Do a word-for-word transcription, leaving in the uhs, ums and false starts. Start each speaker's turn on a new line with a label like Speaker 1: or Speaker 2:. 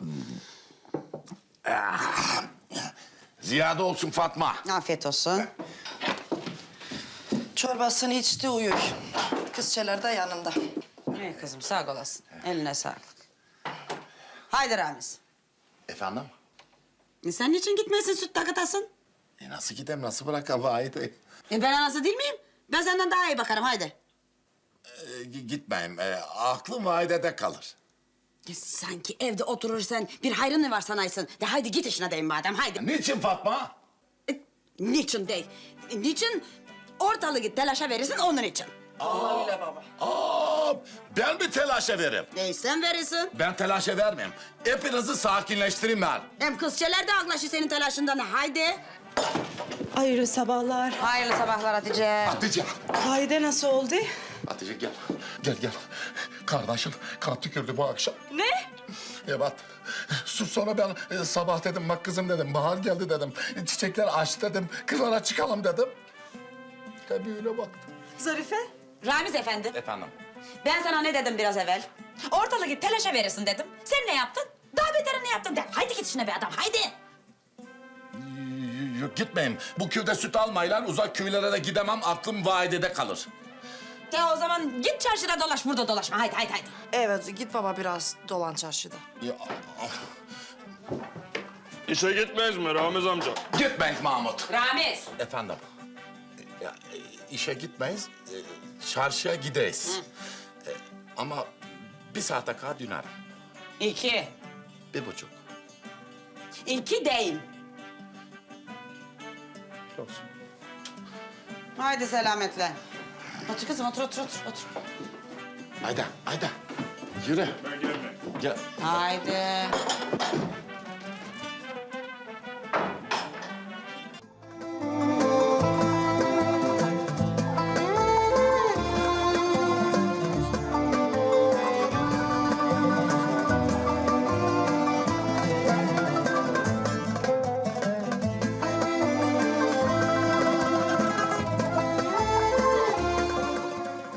Speaker 1: Ziyade olsun Fatma.
Speaker 2: Afiyet olsun.
Speaker 3: Çorbasını içti uyuyor. Kızçeler de yanında.
Speaker 2: İyi kızım sağ olasın. Eline sağlık. Haydi Ramiz.
Speaker 1: Efendim?
Speaker 2: E sen niçin gitmesin süt takıtasın?
Speaker 1: E nasıl gideyim, nasıl bırakayım Vahit'i?
Speaker 2: E ben anası değil miyim? Ben senden daha iyi bakarım haydi.
Speaker 1: E, gitmeyeyim, e, aklım Vahit'e kalır.
Speaker 2: Ya sanki evde oturursan bir hayrın mı var sanaysın? De haydi git işine deyim madem haydi.
Speaker 1: Niçin Fatma?
Speaker 2: E, niçin değil? E, niçin ortalığı git telaşa verirsin onun için.
Speaker 3: Öyle baba.
Speaker 1: Aa, ben mi telaşa veririm?
Speaker 2: E sen verirsin.
Speaker 1: Ben telaşa vermeyeyim. Hepinizi sakinleştireyim ben.
Speaker 2: Hem kızçeler de anlaşır senin telaşından haydi.
Speaker 3: Hayırlı sabahlar.
Speaker 2: Hayırlı sabahlar Hatice.
Speaker 1: Hatice.
Speaker 3: Vahide nasıl oldu?
Speaker 1: Hatice gel. Gel gel. Kardeşim kan tükürdü bu akşam.
Speaker 3: Ne?
Speaker 1: Evet. Sus sonra ben e, sabah dedim bak kızım dedim. Bahar geldi dedim. Çiçekler açtı dedim. Kırlara çıkalım dedim. Tabii öyle baktı.
Speaker 3: Zarife?
Speaker 2: Ramiz efendi.
Speaker 1: Efendim?
Speaker 2: Ben sana ne dedim biraz evvel? Ortalığı git telaşa verirsin dedim. Sen ne yaptın? Daha beterini yaptın de. Haydi git işine be adam haydi.
Speaker 1: Yok gitmeyeyim. Bu köyde süt almayla uzak köylere de gidemem. Aklım Vahide'de kalır.
Speaker 2: Ya o zaman git çarşıda dolaş burada dolaşma haydi haydi haydi.
Speaker 3: Evet git baba biraz dolan çarşıda.
Speaker 1: Ya,
Speaker 4: İşe gitmeyiz mi Ramiz amca?
Speaker 1: gitmeyiz Mahmut.
Speaker 2: Ramiz.
Speaker 1: Efendim? Ya, e, işe gitmeyiz. e, Çarşıya gideyiz. E, ama bir saate kadar dönerim.
Speaker 2: İki.
Speaker 1: Bir buçuk.
Speaker 2: İki değil.
Speaker 1: Olsun.
Speaker 2: Haydi selametle. Otur kızım otur otur otur. otur.
Speaker 1: Haydi, haydi. Yürü.
Speaker 4: Ben gelmem.
Speaker 1: Gel.
Speaker 2: Haydi.